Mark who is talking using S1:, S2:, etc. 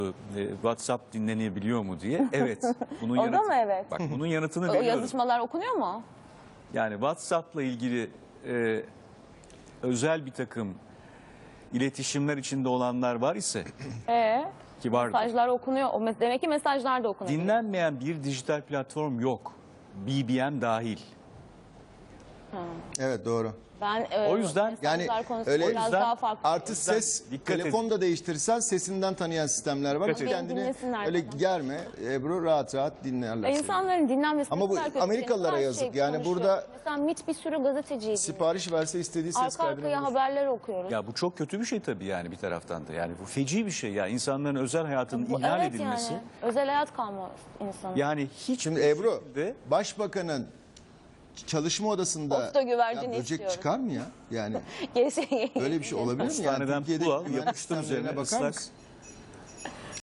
S1: WhatsApp dinlenebiliyor mu diye. Evet. Bunun
S2: O da mı evet?
S1: Bak bunun yanıtını
S2: O
S1: veriyorum.
S2: yazışmalar okunuyor mu?
S1: Yani WhatsApp'la ilgili özel bir takım iletişimler içinde olanlar var ise ki vardır.
S2: Mesajlar okunuyor. Demek ki mesajlar da okunuyor.
S1: Dinlenmeyen bir dijital platform yok. BBM dahil.
S3: Evet, doğru.
S2: Ben
S1: O yüzden
S3: yani
S2: konusunda
S3: öyle
S2: biraz daha farklı.
S3: artı ses,
S1: dikkat
S3: telefon da değiştirirsen sesinden tanıyan sistemler var.
S1: Dikkat edin.
S3: Kendini
S2: Dinlesinler
S3: öyle
S2: bana.
S3: germe Ebru, rahat rahat dinlerler. seni.
S2: İnsanların dinlenmesi
S3: Ama bu
S2: ne kadar kötü.
S3: Amerikalılara
S2: Her
S3: yazık.
S2: şey
S3: Yani
S2: konuşuyor.
S3: burada
S2: Mesela MİT bir sürü gazeteciydi.
S3: Sipariş verse istediği ses
S2: Arka
S3: kaydını
S2: arkaya
S3: bulur.
S2: haberler okuyoruz.
S1: Ya bu çok kötü bir şey tabii yani bir taraftan da. Yani bu feci bir şey ya. İnsanların özel hayatının
S2: Bu-
S1: ihlal
S2: evet
S1: edilmesi.
S2: yani. Özel hayat kalmaz insanın.
S1: Yani hiç
S3: Şimdi Ebru,
S1: şekilde-
S3: başbakanın çalışma odasında
S2: Posta güvercini
S3: böcek
S2: istiyorum.
S3: çıkar mı ya? Yani
S2: Gerisi-
S3: öyle bir şey olabilir mi? Yani
S1: Hastaneden
S3: Türkiye'deki
S1: pul al,
S3: güvenlik
S1: yapıştır
S3: sistemlerine
S1: üzerine
S3: bakar
S1: ıslak
S3: mısın?